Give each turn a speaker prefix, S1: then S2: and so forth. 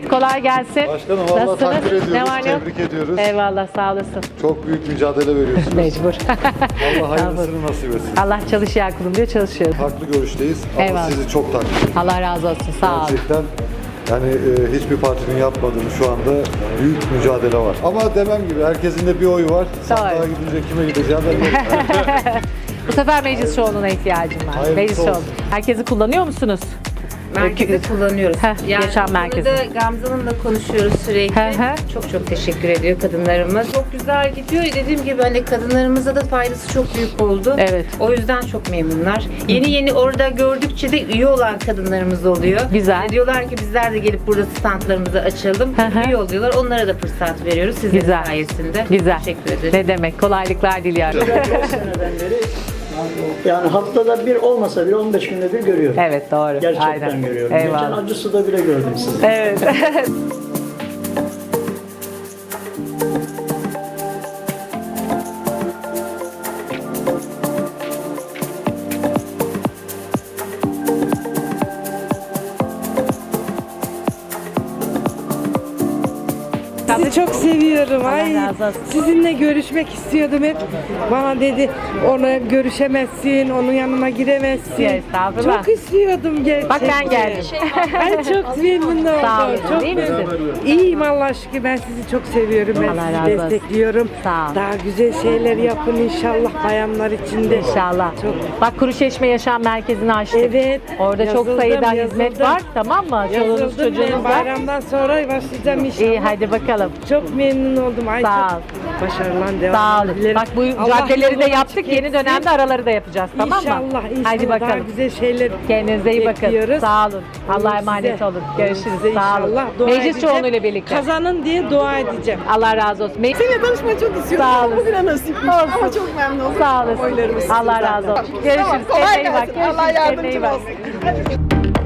S1: kolay gelsin.
S2: Başkanım vallahi
S1: Nasılsınız?
S2: takdir ediyoruz,
S1: Ne var ne yok?
S2: tebrik ediyoruz.
S1: Eyvallah, sağ olasın.
S2: Çok büyük mücadele veriyorsunuz.
S1: Mecbur.
S2: Allah hayırlısını nasip etsin.
S1: Allah çalışıyor kulum diyor, çalışıyoruz.
S2: Farklı görüşteyiz ama
S1: Eyvallah.
S2: sizi çok takdir ediyorum.
S1: Allah razı olsun, sağ ol.
S2: Gerçekten yani hiçbir partinin yapmadığını şu anda büyük mücadele var. Ama demem gibi herkesin de bir oyu var. Sandığa gidince kime gideceğim ben
S1: Bu sefer meclis çoğunluğuna ihtiyacım var.
S2: Hayırlısı
S1: Meclis
S2: olsun.
S1: çoğunluğu. Herkesi kullanıyor musunuz?
S3: Merkezi kullanıyoruz.
S1: Yaşam merkezi.
S3: Burada Gamze Hanım'la konuşuyoruz sürekli.
S1: Hı hı.
S3: Çok çok teşekkür ediyor kadınlarımız. Çok güzel gidiyor. Dediğim gibi hani kadınlarımıza da faydası çok büyük oldu.
S1: Evet.
S3: O yüzden çok memnunlar. Yeni orada gördükçe de üye olan kadınlarımız oluyor.
S1: Güzel.
S3: Hani diyorlar ki bizler de gelip burada standlarımızı açalım.
S1: Hı hı.
S3: Üye oluyorlar. Onlara da fırsat veriyoruz. Sizin
S1: Güzel.
S3: sayesinde.
S1: Güzel.
S3: Teşekkür ederim.
S1: Ne demek? Kolaylıklar diliyorum.
S4: 5 seneden beri yani haftada bir olmasa bile 15 günde bir görüyorum.
S1: Evet, doğru.
S4: Gerçekten
S1: Aynen.
S4: görüyorum. Geçen
S1: Eyvallah.
S4: Acısu'da bile gördüm sizi.
S1: Evet.
S5: Sizi çok seviyorum. Ay,
S1: razı olsun.
S5: sizinle görüşmek istiyordum hep. Bana dedi, ona görüşemezsin, onun yanına giremezsin.
S1: Ya, estağfurullah.
S5: Çok istiyordum gerçekten.
S1: Bak ben geldim.
S5: Ay çok memnun oldum.
S1: Sağ olun.
S5: Çok
S1: İyi misin?
S5: İyiyim Allah şükür. Ben sizi çok seviyorum. Ben
S1: Allah razı
S5: sizi
S1: olsun.
S5: destekliyorum.
S1: Sağ ol.
S5: Daha güzel şeyler yapın inşallah bayanlar için de.
S1: İnşallah.
S5: Çok-
S1: Bak Kuruçeşme Yaşam Merkezi'ni açtık.
S5: Evet.
S1: Orada çok
S5: Yazıldım,
S1: sayıda
S5: yazıldım.
S1: hizmet var. Tamam mı? Çoluğunuz
S5: Yazıldım ben.
S1: çocuğunuz var.
S5: Bayramdan sonra başlayacağım inşallah.
S1: İyi, hadi bakalım.
S5: Çok memnun oldum. Ay,
S1: Sağ
S5: çok
S1: ol.
S5: Başarılan devam
S1: Sağ olun.
S5: dilerim.
S1: Bak bu
S5: Allah
S1: caddeleri de
S5: yolunu
S1: yaptık.
S5: açık
S1: Yeni
S5: etsin.
S1: dönemde araları da yapacağız. Tamam mı?
S5: İnşallah, inşallah
S1: Hadi
S5: daha
S1: bakalım.
S5: güzel şeyler
S1: Kendinize iyi bakın.
S5: bekliyoruz.
S1: Sağ olun. Allah'a
S5: Size-
S1: emanet olun. Görüşürüz.
S5: size
S1: Sağ olun.
S5: inşallah dua
S1: Meclis
S5: edeceğim.
S1: çoğunluğuyla birlikte.
S5: Kazanın diye dua edeceğim.
S1: Allah razı olsun.
S6: Seninle tanışmayı çok istiyordum.
S1: Sağ olun.
S6: Bugüne nasipmiş.
S1: Olsun.
S6: Ama çok memnun oldum.
S1: Sağ olasın.
S6: Oylarımız
S1: Allah
S6: sizden.
S1: razı olsun.
S6: Tamam,
S1: Görüşürüz.
S6: kolay
S1: Kendine iyi bak.
S6: gelsin. Allah
S1: Görüşürüz. Kendine iyi
S6: yardımcın
S1: bak.
S6: olsun.